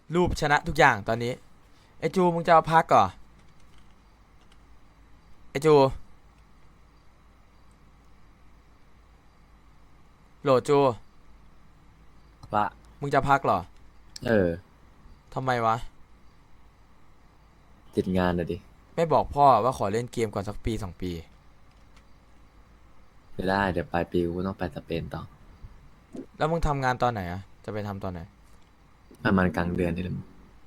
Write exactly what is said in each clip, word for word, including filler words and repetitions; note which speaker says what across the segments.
Speaker 1: รูปชนะทุกอย่างตอนนี้ไอจูมึงจะเอาพักก่อไอจูโหลจู
Speaker 2: ว่า
Speaker 1: มึงจะพักเหรอ
Speaker 2: เออ
Speaker 1: ทำไมวะ
Speaker 2: ติดงานนะดิ
Speaker 1: ไม่บอกพ่อว่าขอเล่นเกมก่อนสักปีสองปี
Speaker 2: ไม่ได้เดี๋ยวปลายปีกูต้องไปสเปนต่อ
Speaker 1: แล้วมึงทำงานตอนไหนอะจะไปทำตอนไหน
Speaker 2: ประมาณกลางเดือนนี่แหละ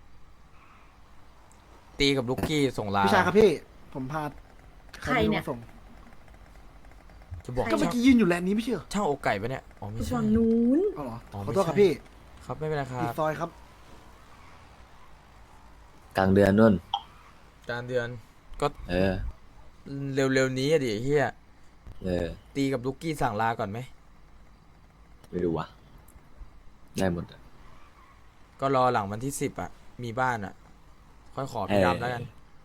Speaker 1: ตีกับลูกกี้ส่งลา
Speaker 3: พี่ชายครับพี่ ผมพา
Speaker 4: ใครเนี่ย
Speaker 3: มาส่ง
Speaker 1: จะบอก
Speaker 3: ก็เมื่อ
Speaker 1: ช่าง
Speaker 3: กี้ยืนอยู่แลนด์นี้ไม่ใช่เหรอ
Speaker 1: ช่างอกไก่ปะเนี่ยอ๋อไม่ใช่
Speaker 4: ฝั่งนู้น
Speaker 3: เอาเหรอ
Speaker 1: อ๋อ
Speaker 3: ข
Speaker 1: ไม่
Speaker 3: อโทษ
Speaker 1: ใช่
Speaker 3: ครับพี่
Speaker 1: ครับไม่เป็นไรครั
Speaker 3: อีก
Speaker 1: บ
Speaker 3: ซอยครับ
Speaker 2: กลางเดือนนู่น
Speaker 1: การเดือนก็
Speaker 2: เออ
Speaker 1: เร็วๆนี้อะดิเฮีย
Speaker 2: เออ
Speaker 1: ตีกับลูกกี้สั่งลาก่อนไหม
Speaker 2: ไม่รู้วะได้หมดอะ
Speaker 1: ก็รอหลังวันที่สิบอะมีบ้านอะค่อยขอพี่ดำแล้วกัน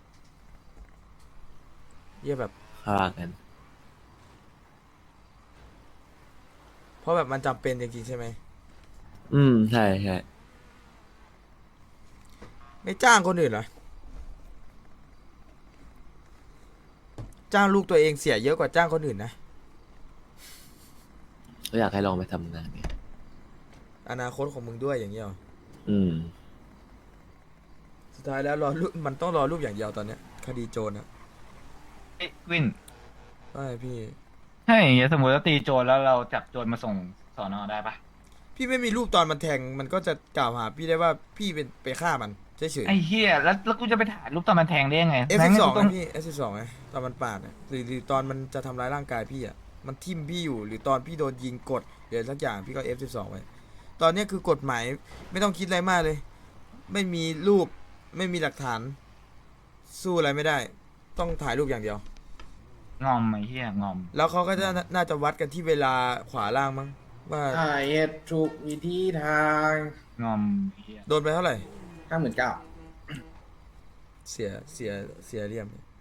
Speaker 1: เยี่ยแบบ
Speaker 2: ข้ากัน
Speaker 1: เพราะแบบมันจำเป็นจริงๆใช่ไหม
Speaker 2: อืมใช่ใช่
Speaker 1: ไม่จ้างคนอื่นเหรอจ้างลูกตัวเองเสียเยอะกว่าจ้างคนอื่นนะ
Speaker 2: ก็อยากให้ลองไปทำงานเนี่ย
Speaker 1: อนาคตของมึงด้วยอย่างเงี้ยหรอ
Speaker 2: อืม
Speaker 1: สุดท้ายแล้วรอรูปมันต้องรอรูปอย่างเดียวตอนเนี้ยคดีโจรอะ
Speaker 5: เอ้ยวิน
Speaker 1: ใช่พี่
Speaker 5: ถ้าอย่างเงี้ยสมมติว่าตีโจรแล้วเราจับโจรมาส่งสอนอได้ปะ
Speaker 1: พี่ไม่มีรูปตอนมันแทงมันก็จะกล่าวหาพี่ได้ว่าพี่เป็นไปฆ่ามันเฉย
Speaker 5: ไอ้เฮียแล้วแล้วกูจะไปถ่ายรูปตอนมันแทงได้ยังไง
Speaker 1: ๆ F
Speaker 5: แม่
Speaker 1: สิบสอง
Speaker 5: กูต้
Speaker 1: ไงพี่ F สิบสองไงตอนมันปาดอะหรือหรือตอนมันจะทำร้ายร่างกายพี่อะมันทิ่มพี่อยู่หรือตอนพี่โดนยิงกดหรือสักอย่างพี่ก็ F สิบสองไว้ตอนเนี้ยคือกฎหมายไม่ต้องคิดอะไรมากเลย ไม่มีรูปไม่มีหลักฐาน สู้อะไรไม่ได้ ต้องถ่ายรูปอย่างเดียว
Speaker 5: งอมไอ้เฮียงอม
Speaker 1: แล้วเขาก็จะน่าจะวัดกันที่เวลาขวาล่างมั้งว่า
Speaker 6: ถ่ายเหตุถูกวิธีทาง
Speaker 5: งอมไอ้เฮีย
Speaker 1: โดนไปเท่าไหร่
Speaker 6: ห้าหมื่นเก้า
Speaker 1: เสียเสียเสียเหลี่ยมเนี่ย